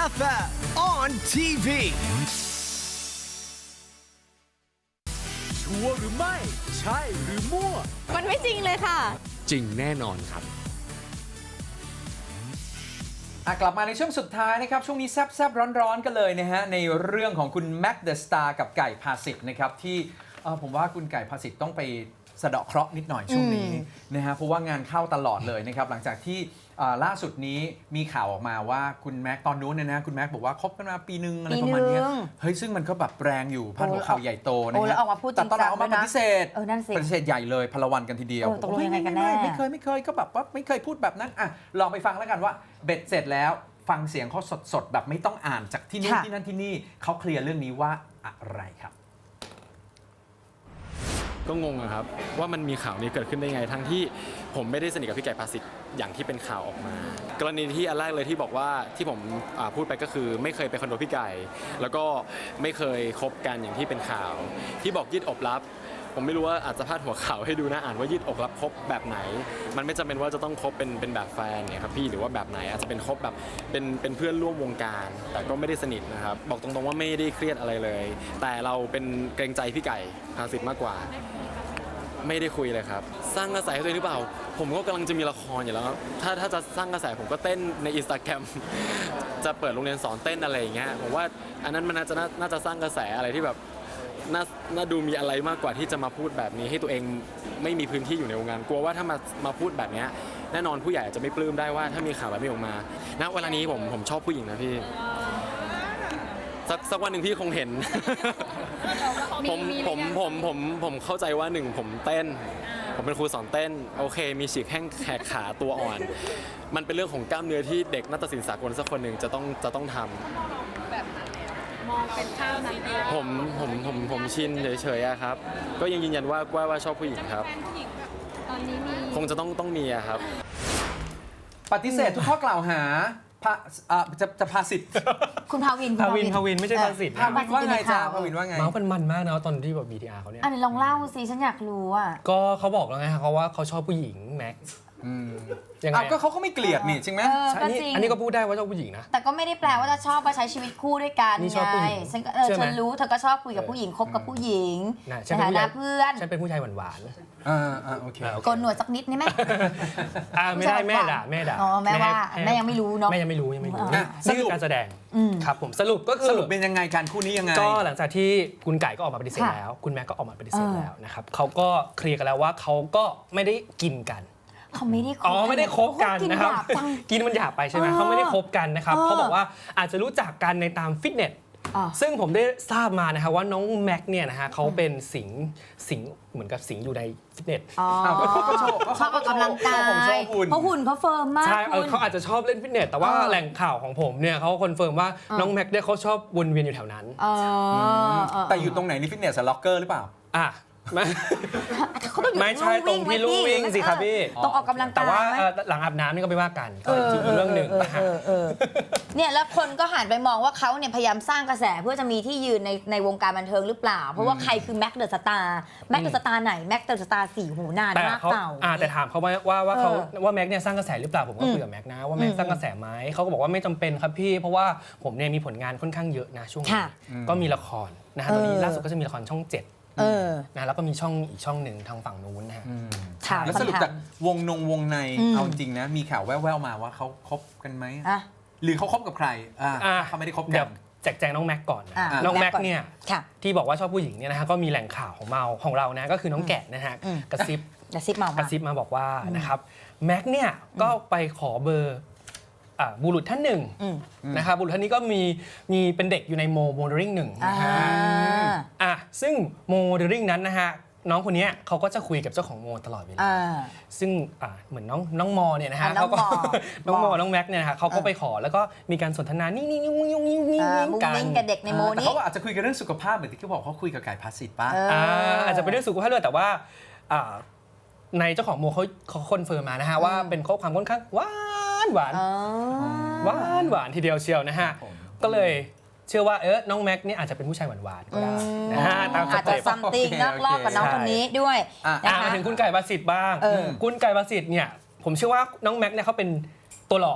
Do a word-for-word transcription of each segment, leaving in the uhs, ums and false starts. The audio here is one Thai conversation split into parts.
เอฟ เอ็ม on ที วี ชัวร์หรือไม่ ใช่หรือมั่วมันไม่จริงเลยค่ะจริงแน่นอนครับกลับมาในช่วงสุดท้ายนะครับช่วงนี้แซบๆร้อนๆกันเลยนะฮะในเรื่องของคุณแม็กเดอะสตาร์กับไก่ภาสิทธิ์นะครับที่ผมว่าคุณไก่ภาสิทธิ์ต้องไปสะเดาะเคราะห์นิดหน่อยช่วงนี้นะฮะเพราะว่างานเข้าตลอดเลยนะครับหลังจากที่ล่าสุดนี้มีข่าวออกมาว่าคุณแม็กตอนนู้นเนี่ยนะคุณแม็กบอกว่าคบกันมาปีนึงอะไรประมาณนี้เฮ้ยซึ่งมันก็แบบแรงอยู่พาดหัวข่าวใหญ่โตนะฮะแต่ตอนหลังออกมาปฏิเสธปฏิเสธใหญ่เลยพลวันกันทีเดียวตกลงยังไงกันแน่ไม่เคยไม่เคยก็แบบว่าไม่เคยพูดแบบนั้นอ่ะลองไปฟังแล้วกันว่าเบ็ดเสร็จแล้วฟังเสียงเขาสดๆแบบไม่ต้องอ่านจากที่นู่นที่นั่นที่นี่เขาเคลียร์เรื่องนี้ว่าอะไรครับก็งงอะครับว่ามันมีข่าวนี้เกิดขึ้นได้ไงทั้งที่ผมไม่ได้สนิทกับพี่ไก่ภาสิทธิ์อย่างที่เป็นข่าวออกมากรณีที่อันแรกเลยที่บอกว่าที่ผมพูดไปก็คือไม่เคยไปคอนโดพี่ไก่แล้วก็ไม่เคยคบกันอย่างที่เป็นข่าวที่บอกยืดอกลับผมไม่รู้ว่าอาจจะพาดหัวข่าวให้ดูนะอ่านว่ายืดอกลับคบแบบไหนมันไม่จำเป็นว่าจะต้องคบเป็นเป็นแบบแฟนเนี่ยครับพี่หรือว่าแบบไหนอาจจะเป็นคบแบบเป็นเป็นเพื่อนร่วมวงการแต่ก็ไม่ได้สนิทนะครับบอกตรงๆว่าไม่ได้เครียดอะไรเลยแต่เราเป็นเกรงใจพี่ไก่ภาสิทธิ์มากกว่าไม่ได้คุยเลยครับสร้างกระแสให้ตัวเองหรือเปล่าผมก็กำลังจะมีละครอยู่แล้วครับถ้าถ้าจะสร้างกระแสผมก็เต้นใน Instagram จะเปิดโรงเรียนสอนเต้นอะไรอย่างเงี้ยผมว่าอันนั้นมันน่าจะน่าจะสร้างกระแสอะไรที่แบบน่าน่าดูมีอะไรมากกว่าที่จะมาพูดแบบนี้ให้ตัวเองไม่มีพื้นที่อยู่ในวงการกลัวว่าถ้ามามาพูดแบบนี้แน่นอนผู้ใหญ่จะไม่ปลื้มได้ว่าถ้ามีข่าวแบบนี้ออกมาณเวลานี้ผมผมชอบผู้หญิงนะพี่สักสักวันหนึ่งพี่คงเห็น ผมผมผมผมผมเข้าใจว่าหนึ่งผมเต้นผมเป็นครูสอนเต้นโอเคมีฉีกแข้งแขกขาตัวอ่อนมันเป็นเรื่องของกล้ามเนื้อที่เด็กนาฏศิลป์สากลสักคนหนึ่งจะต้องจะต้องทำแบบมองเป็นข้าวนั้นผมผมผมผมชินเฉยๆอะครับก็ยังยืนยันว่าว่าว่าชอบผู้หญิงครับตอนนี้มีคงจะต้องต้องมีอะครับปฏิเสธทุกข้อกล่าวหาพาจะจะภาสิทธิ์คุณภาวินภาวินภาวินไม่ใช่ภาสิทธิ์ภาวินว่าไงจ้าภาวินว่าไงเมาส์กันมันมากนะตอนที่แบบ บี ที อาร์ เขาเนี่ยอันนี้ลองเล่าสิฉันอยากรู้อ่ะก็เขาบอกแล้วไงเขาว่าเขาชอบผู้หญิงแม็กยังไงก็เขาก็ไม่เกลียดนี่จริงไหมอันนี้อันนี้ก็พูดได้ว่าชอบผู้หญิงนะแต่ก็ไม่ได้แปลว่าจะชอบมาใช้ชีวิตคู่ด้วยกันนี่ชอบผู้หญิงฉันเออฉันรู้เธอก็ชอบคุยกับผู้หญิงคบกับผู้หญิงในฐานะเพื่อนฉันเป็นผู้ชายหวานๆอ่าอ่าโอเคโกนหนวดสักนิดนี่ไหมอ่าไม่ได้แม่ด่าแม่ด่าอ๋อแม่ว่าแม่ยังไม่รู้เนาะแม่ยังไม่รู้ยังไม่รู้นี่คือการแสดงครับผมสรุปก็คือสรุปเป็นยังไงการคู่นี้ยังไงก็หลังจากที่คุณไก่ก็ออกมาปฏิเสธแล้วคุณแม่ก็ออกมาปฏิเสธแล้วนะครับเขาก็เคลียร์กันแล้วว่าเขาก็ไม่ได้กินกันเขาไม่ได้คบอ๋อไม่ได้คบกันนะครับกินมันหยาบไปใช่ไหมเขาไม่ได้คบกันนะครับเขาบอกว่าอาจจะรู้จักกันในตามฟิตเนสซึ่งผมได้ทราบมานะครับว่าน้องแม็กเนี่ยนะฮะเขาเป็นสิงสิงเหมือนกับสิงอยู่ในฟิตเนสชอบออกกำลังกายเพราะหุ่นเขาเฟิร์มมากใช่เขาอาจจะชอบเล่นฟิตเนสแต่ว่าแหล่งข่าวของผมเนี่ยเขาคอนเฟิร์มว่าน้องแม็กเนี่ยเขาชอบวนเวียนอยู่แถวนั้นแต่อยู่ตรงไหนนี่ฟิตเนสล็อกเกอร์หรือเปล่าอ่ะไม่ใช่ตรงที่ลู่วิ่งสิครับพี่ต้องออกกำลังกายแต่ว่าหลังอาบน้ำนี่ก็ไม่ว่ากันอีกเรื่องหนึ่งเนี่ยแล้วคนก็หันไปมองว่าเขาเนี่ยพยายามสร้างกระแสเพื่อจะมีที่ยืนในในวงการบันเทิงหรือเปล่าเพราะว่าใครคือแม็กเดอะสตาร์แม็กเดอะสตาร์ไหนแม็กเดอะสตาร์สี่หูนานมากเก่าแต่ถามเขาว่าว่าว่าเขาว่าแม็กเนี่ยสร้างกระแสหรือเปล่าผมก็คุยกับแม็กนะว่าแม็กสร้างกระแสไหมเขาก็บอกว่าไม่จำเป็นครับพี่เพราะว่าผมเนี่ยมีผลงานค่อนข้างเยอะนะช่วงนี้ก็มีละครนะฮะตอนนี้ล่าสุดก็จะมีละครช่องเจ็ดนะแล้วก็มีช่องอีกช่องหนึ่งทางฝั่งนู้นนะฮะแล้วสรุปจากวงนงวงในเอาจริงนะมีข่าวแว่วๆมาว่าเขาคบกันไหมหรือเขาคบกับใครเขาไม่ได้คบกันแจกแจงน้องแม็กก่อนน้องแม็กเนี่ยที่บอกว่าชอบผู้หญิงเนี่ยนะฮะก็มีแหล่งข่าวของเราของเรานะก็คือน้องแกะนะฮะกระซิบกระซิบมากระซิบมาบอกว่านะครับแม็กเนี่ยก็ไปขอเบอร์บุรุษท่านหนึ่งนะครับบุรุษท่านนี้ก็มีมีเป็นเด็กอยู่ในโมโมเดลลิ่งหนึ่งนะฮะอ่ะซึ่งโมเดลลิ่งนั้นนะฮะน้องคนนี้เขาก็จะคุยกับเจ้าของโมตลอดเวลาซึ่งเหมือนน้องน้องมอเนี่ยนะฮะเขาก็น้องมอน้องแม็กเนี่ยนะฮะเขาก็ไปขอแล้วก็มีการสนทนานี่นี่นี่นี่นี่นี่กันกับเด็กในโมนี้เขาอาจจะคุยกันเรื่องสุขภาพเหมือนที่เขาบอกเขาคุยกับไก่ภาสิทธิ์ป่ะอาจจะเป็นเรื่องสุขภาพด้วยแต่ว่าในเจ้าของโมเขาเขาคอนเฟิร์มมานะฮะว่าเป็นข้อความค่อนข้างหวานหวานหวานหวานทีเดียวเชียวนะฮะก็เลยเชื่อว่าเออน้องแม็กนี่อาจจะเป็นผู้ชายหวานหวานก็ได้นะฮะตามสเต็ปอาจจะซัมติงนอกรอบกับน้องคนนี้ด้วยมาถึงคุณไก่ภาสิทธิ์บ้างคุณไก่ภาสิทธิ์เนี่ยผมเชื่อว่าน้องแม็กเนี่ยเขาเป็นตัวหลอก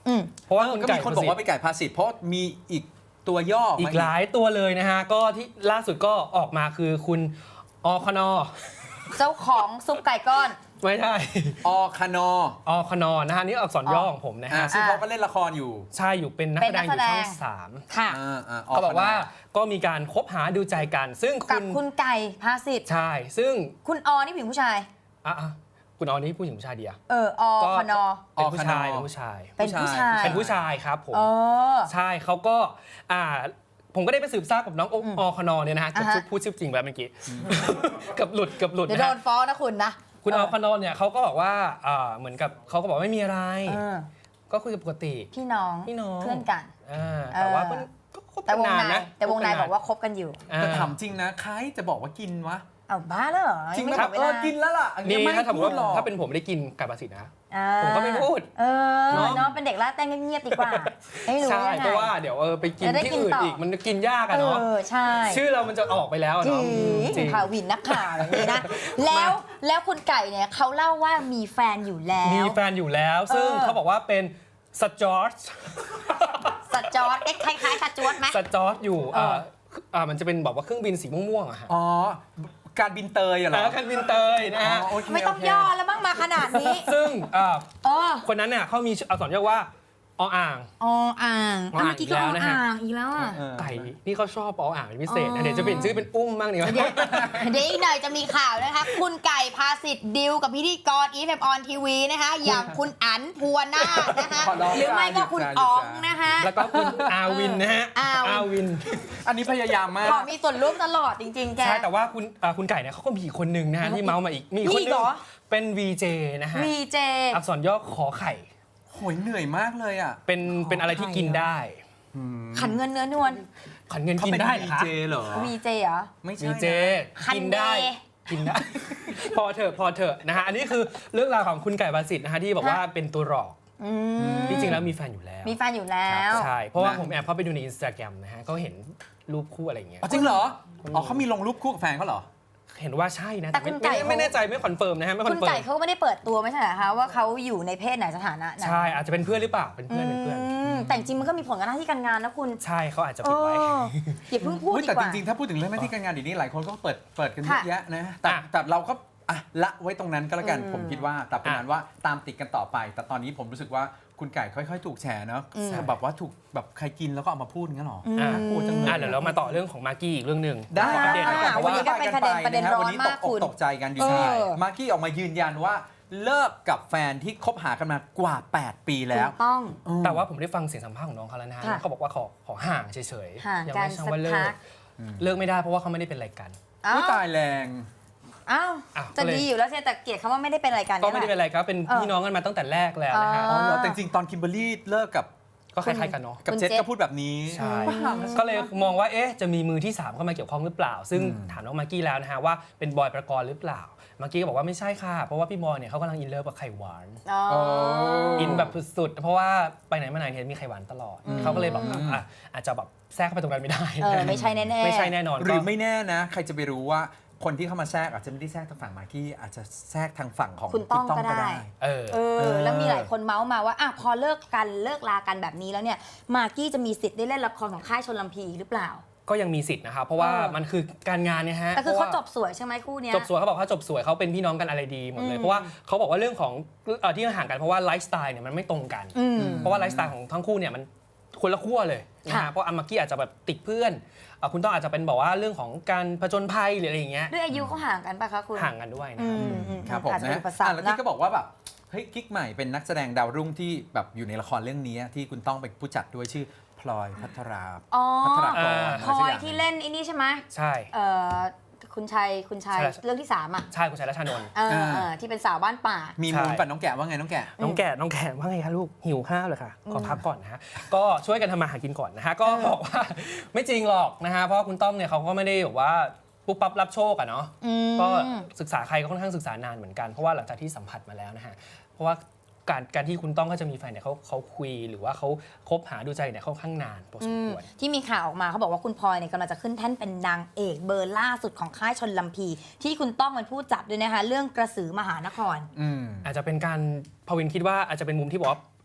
อืมเพราะว่าเออคุณก็ไก่มีคนบอกว่าเป็นไก่ภาษิตเพราะมีอีกตัวย่ออีมากหลายตัวเลยนะฮะก็ที่ล่าสุดก็ออกมาคือคุณอคอนอเจ้าของซุปไก่ก้อนไม่ใช่อคานออคอนอนะฮะนี่อักษรย่อของผมนะอ่าฮะซึ่งเขาก็เล่นละครอยู่ใช่อยู่เป็นนักเป็แสนดนังกอยู่แสดงช่องสามค่ะอ่าอ่าเขาบอกว่าก็มีการคบหาดูใจกัน ซึ่งกัคุบณคุณไก่ภาสิทธิ์ใช่ซึ่งคุณออนี่ผู้หญิงผู้ชายอ่ะอ่ะคุณออนี่ผู้หญิงผู้ชายเดียวเอออก็คอนอเป็นผู้ชายเป็นผู้ชายเป็นผู้ชายเป็นผู้ชายครับผมเออใช่เขาก็อ่าผมก็ได้ไปสืบทราบกับน้องโออืมอคอนอเนี่ยนะฮะเกือบอ่าฮะพูดชื่อจริงแบบเมื่อกี้ เกือบหลุดเกือบหลุดเดี๋ยวนะโดฮะนฟ้องนะคุณนะคุณอคอนอเนี่ยเขาก็บอกว่าอ่าเหมือนกับเขาก็บอกว่าไม่มีอะไรเออก็คุยกันปกติพี่น้องพี่น้องเพื่อนกันอ่าแต่ว่ามันก็คบแต่กันวงนานในนะแต่วงในคบอกว่าคบกันอยู่อ่แต่ถามจริงนะใครจะบอกว่ากินวะเอาบ้าแล้วเหรอจริงไม่ไหมบอกเวเอลาอกินแล้วล่ะอันนี้นี่ไม่ถ้าสมมติพูดหรว่าอกถ้าเป็นผมไม่ได้กินไก่ภาษีนะอ่าผมก็ไม่พูดเออเนอะเนาะเป็นเด็กล่าแต้งเงียบๆดีกว่าไม่รู้ใช่ยังไงเพราะว่าเดี๋ยวเออไปกินจะได้ที่กินอื่นต่ออีอีกมันกินยากเออะเนาะอใช่ชื่อเรามันจะออกไปแล้วอะจริเนาะจริงงข่าววินนักข่าวอย่างนี้นะ แล้วแล้วคุณไก่เนี่ยเขาเล่าว่ามีแฟนอยู่แล้วมีแฟนอยู่แล้ว ซึ่งเออเขาบอกว่าเป็นสจอร์จสจอร์ดเอ๊ะคล้ายๆสจวตไหมสจอร์จอยู่เอออ่าอ่ามันจะเป็นแบบว่าเครื่องบินสีม่วงๆอะฮะอ๋อการบินเตยอะเหรอแล้วคันบินเตยนะฮะอ๋อโอเคไม่ต้องโเคย่อแล้วบ้างมาขนาดนี้ซึ่งอ่าเออคนนั้นเนี่ยเขามีอักษรย่อว่าออ่างออ่างออ่างเมื่อกี้ก็ออีกแล้วนะฮะอ่างอีกแล้วอ่ะเออไก่นี่เขาชอบออ่างเป็นพิเศษอ๋นะอเดี๋ยวจะเปลี่ยนชื่อเป็นอุ้มบ้างดีกว่าเดี๋ยวเดี๋ยวอีกหน่อยจะมีข่าวนะคะ คุณไก่พาสิทธิ์ดิวกับพิธีกรอีฟเอฟออนทีวีนะคะ อย่างคุณอั๋นภูวนาถนะคะขอร้องหรือไม่ก็คุณจ้าอ๋องจ้านะคะแล้วก็คุณอาวินนะฮะอาวินวินอันนี้พยายามมากขอมีส่วนร่วมตลอดจริง ๆ แกใช่แต่ว่าคุณอ่าคุณไก่เนี่ยเขาก็มีอีกคนนึงนะฮะที่เมาส์มาอีกมีอีกคนมีอีนึกเหงรอเป็น วี เจ นะฮะวีเจอักษรย่อขอไข่โหยเหนื่อยมากเลยอ่ะเป็นเป็นอะไรที่กินได้ขันเงินเนื้อนวลขันเงินเขากินเป็นได้ดีเหรอคะเจเหรอวีเจเหรอไม่ใช่วีนะเจคันกินได้เดย์กินได้ พอเถอะพอเถอะนะฮะอันนี้คือเรื่องราวของคุณไก่บาสิทธิ์นะฮะที่บอกว่าเป็นตัวหลอกอืมที่จริงแล้วมีแฟนอยู่แล้วมีแฟนอยู่แล้วใช่เพราะว่านะผมแอบเข้าไปดูในอินสตาแกรมนะฮะก็เห็นรูปคู่อะไรอย่างเงี้ยอ๋อจริงเหรอ อ๋อเขามีลงรูปคู่กับแฟนเขาเหรอเห็นว่าใช่นะแต่แต่คุณไม่ไก่ไม่เขาไม่แน่ใจไม่คอนเฟิร์มนะฮะไม่คคุอณนเฟิร์ไก่มเขาก็ไม่ได้เปิดตัวไม่ใช่เหรอคะว่าเขาอยู่ในเพศไหนสถานะไหนใช่อาจจะเป็นเพื่อนหรือเปล่าเป็นเพื่อนเป็นเพื่อนมแต่จริงๆมันก็มีผลกับหน้าที่การงานนะคุณใช่เขาอาจจะเอปิดไว้ออย่าเพิ่งพูดเฮ้ยดีแต่กจว่าริงๆ ถ้าพูดถึงเรื่องหน้าที่การงานเดี๋ยวนี้หลายคนก็เปิดเปิดกันเยค่ะอะแยะนะแต่อ่ะแต่เราก็อ่ะละไว้ตรงนั้นก็แล้วกันอืมผมคิดว่าแต่เป็นอ่ะนั้นว่าตามติดกันต่อไป แต่ตอนนี้ผมรู้สึกว่าคุณไก่ค่อยๆ ถูกแฉเนาะอืมแบบว่าถูกแบบใครกินแล้วก็เอามาพูดงั้นหรออืมอ่ะพูดจังเลยอ่ะเดี๋ยวเรามาต่อเรื่องของมากกี้อีกเรื่องหนึ่งได้ขออัปเดตหน่อยอ่ะเพราะว่าวันนี้ก็เป็นประเด็นประเด็นร้อนวันนี้ตมากกอคุกณตกใจกันอยู่เออใช่มากกี้ออกมายืนยันว่าเลิกกับแฟนที่คบหากันมากว่า แปด ปีแล้วถูกต้องอืมแต่ว่าผมได้ฟังเสียงสัมภาษณ์ของน้องเขาแล้วนะฮะค่ะเขาบอกว่าขอขอห่างเฉยห่างๆยักันไม่ใช่ว่าเลิสักพักกเลิกไม่ได้เพราะว่าเขาไม่ได้เป็นอะไรกันเอ้าอุ๊ยตายแรงอ้าวอ้าวจะก็เลยดีอยู่แล้วใช่แต่เกลียดคำว่าไม่ได้เป็นอะไรกันก็ไม่ได้เป็นแหละอะไรครับเป็นเออพี่น้องกันมาตั้งแต่แรกแล้วนะฮะอ๋อ๋อเหรอแต่จริงๆตอนคิมเบอร์รี่เลิกกับก็คล้ายๆกันเนาะกับคุณเจษเจษก็พูดแบบนี้ใช่บ้าก็เลยมองว่าเอ๊ะจะมีมือที่สามเข้ามาเกี่ยวข้องหรือเปล่า ซึ่งอืมถามน้องมากกี้แล้วนะฮะว่าเป็นบอยประกรณ์หรือเปล่ามากกี้ก็บอกว่าไม่ใช่ค่ะเพราะว่าพี่บอยเนี่ยเขากำลังอินเลิฟกับไข่หวานอ๋ออินแบบสุดๆเพราะว่าไปไหนมาไหนเนี่ยมีไข่หวานตลอด เขาก็เลยแบบอ่ะอาจจะแบบแทรกเข้าไปตรงนั้นไม่ได้เออไม่ใช่แน่ๆไม่ใช่แน่นอนหรือก็ไม่แน่นะ ใครจะไปรู้ว่าคนที่เข้ามาแทรกอาจจะไม่ได้แทรกทางฝั่งมากกี้อาจจะแทรกทางฝั่งของคุณต้องก็ได้เออเออแล้วมีหลายคนเมาส์มาว่าอ่ะพอเลิกกันเลิกลากันแบบนี้แล้วเนี่ยมากกี้จะมีสิทธิ์ได้เล่นละครของค่ายชลลำพีหรือเปล่าก็ยังมีสิทธิ์นะครับเพราะว่าเออมันคือการงานเนี่ยฮะแต่คือเขาพระว่จบสวยใช่ไหมคู่เนี้ยจบสวยเขาบอกเขาจบสวยเขาเป็นพี่น้องกันอะไรดีหมดเลยอืมเพราะว่าเขาบอกว่าเรื่องของเอ่อที่ห่างกันเพราะว่าไลฟ์สไตล์เนี่ยมันไม่ตรงกันอืมเพราะว่าไลฟ์สไตล์ของทั้งคู่เนี่ยมันคนละขั้วเลยนะค่ะฮะเพราะอามากี้อาจจะแบบติดเพื่อนเอ่อคุณต้องอาจจะเป็นบอกว่าเรื่องของการผจญภัยหรืออะไรอย่างเงี้ยด้วยอายุเขาห่างกันปะคะคุณห่างกันด้วยนะอืครับมอืมครับผมอาจจะเป็นะนอุปสรอ่ะรแล้วคที่นะก็บอกว่าแบบเฮ้ยกิ๊กใหม่เป็นนักแสดงดาวรุ่งที่แบบอยู่ในละครเรื่องนี้ที่คุณต้องเป็นผู้จัดด้วยชื่อพลอยพัทราอ๋อพัทรากรอ่าพลอยที่เล่นไอ้นี่ใช่ไหมใช่เอ่อคุณชัยคุณชัยใช่เรื่องที่สามอ่ะใช่คุณชายรัชนนท์เออเออที่เป็นสาวบ้านป่ามีใช่มูลปัดน้องแกะว่าไงน้องแกะน้องแก่น้องแก่ว่าไงคะลูกหิวข้าวเลยค่ะขอพักก่อนนะฮะก็ช่วยกันทำมาหากินก่อนนะฮะก็บอกว่าไม่จริงหรอกนะฮะเพราะว่าคุณต้อมเนี่ยเขาก็ไม่ได้แบบว่าปุ๊บปั๊บรับโชคอะเนาะอืมก็ศึกษาใครก็ค่อนข้างศึกษานานเหมือนกันเพราะว่าหลังจากที่สัมผัสมาแล้วนะฮะเพราะว่าการการที่คุณต้องก็จะมีแฟนเนี่ยเขาเขาคุยหรือว่าเขาคบหาดูใจเนี่ยค่อนข้างนานพอสมควรที่มีข่าวออกมาเขาบอกว่าคุณพลอยเนี่ยกำลังจะขึ้นแท่นเป็นนางเอกเบอร์ล่าสุดของค่ายชนลำพี ที่คุณต้องเป็นผู้จับด้วยนะคะ เรื่องกระสือมหานครอืมอาจจะเป็นการพวินคิดว่าอาจจะเป็นมุมที่บอกว่า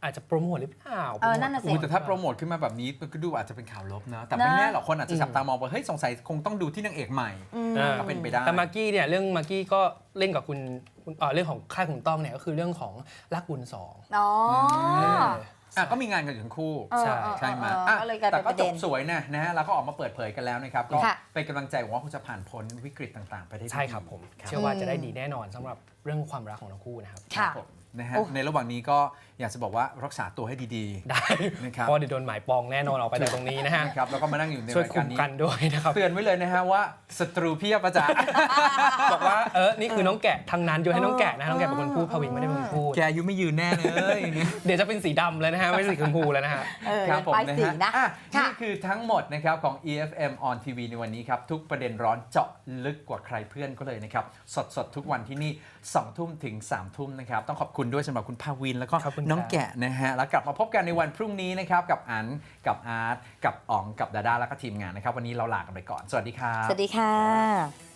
อาจจะโปรโมทหรือเปล่าเออนั่นน่ะสิอุ๊ยแต่ถ้าโปรโมทขึ้นมาแบบนี้มันก็ดูอาจจะเป็นข่าวลบนะ แต่ไม่แน่หรอกคนอาจจะจับตามองว่าเฮ้ยสงสัยคงต้องดูที่นางเอกใหม่อ่าก็เป็นไปได้แต่มากกี้เนี่ยเรื่องมากกี้ก็เล่นกับคุณคุณเอ่อเรื่องของค่ายขุนต้องเนี่ยก็คือเรื่องของรักบุญสองอ๋อเอออ่ะก็มีงานกันอยู่ทั้งคู่เออใช่เออใช่ไหมเอออ่ะก็เลยกลายแต่เป็นปก็ระจเด็บนสวยนะนะฮะแล้วก็ออกมาเปิดเผยกันแล้วนะครับก็ค่ะเป็นกำลังใจหวังว่าคุณจะผ่านพ้นวิกฤตต่างๆ ไปได้ดีใช่ครับผมครับเชื่อว่าจะได้ดีแน่นอนสำหรับเรื่องความรักของทั้งคู่นะครับค่ะผมนะฮะโอ้ในระหว่างนี้ก็อยากจะบอกว่ารักษาตัวให้ดีได้นะครับเพราะเดี๋ยวโดนหมายปองแน่นอนออกไปจากตรงนี้นะฮะๆนะครับแล้วก็มานั่งอยู่ในช่วยรายคุการมนี้กันด้วยนะครับเตือนไว้เลยนะฮะว่าศัตรูเพียบอาจารย์บอกว่าเออนี่คือน้องแกะทางนั้นโยนให้น้องแกะนะน้องแกะเป็นคนพูดพวินไม่ได้เป็นคนพูดแกอายุไม่ยืนแน่เลยอย่างเงี้ยเดี๋ยวจะเป็นสีดำเลยนะฮะไม่ใช่สีชมพูแล้วนะฮะเออครับผมป้ายนะสีฮะนะอ่ะค่ะนี่คือทั้งหมดนะครับของ อี เอฟ เอ็ม on ที วี ในวันนี้ครับ ทุกประเด็นร้อนเจาะลึกกว่าใครเพื่อนก็เลยนะครับ สดสดๆ ทุกวันที่นี่สองทุ่มถึงสามทุ่มนะครับ ต้องขอบคุณด้วยสำหรับคุณภาวิน แล้วก็ขอบคุณครับน้องแกะนะฮะ แล้วกลับมาพบกันในวันพรุ่งนี้นะครับ กับอันกับอาร์ตกับอ๋องกับดาด้าแล้วก็ทีมงานนะครับ วันนี้เราลากันไปก่อน สวัสดีครับสวัสดีค่ะ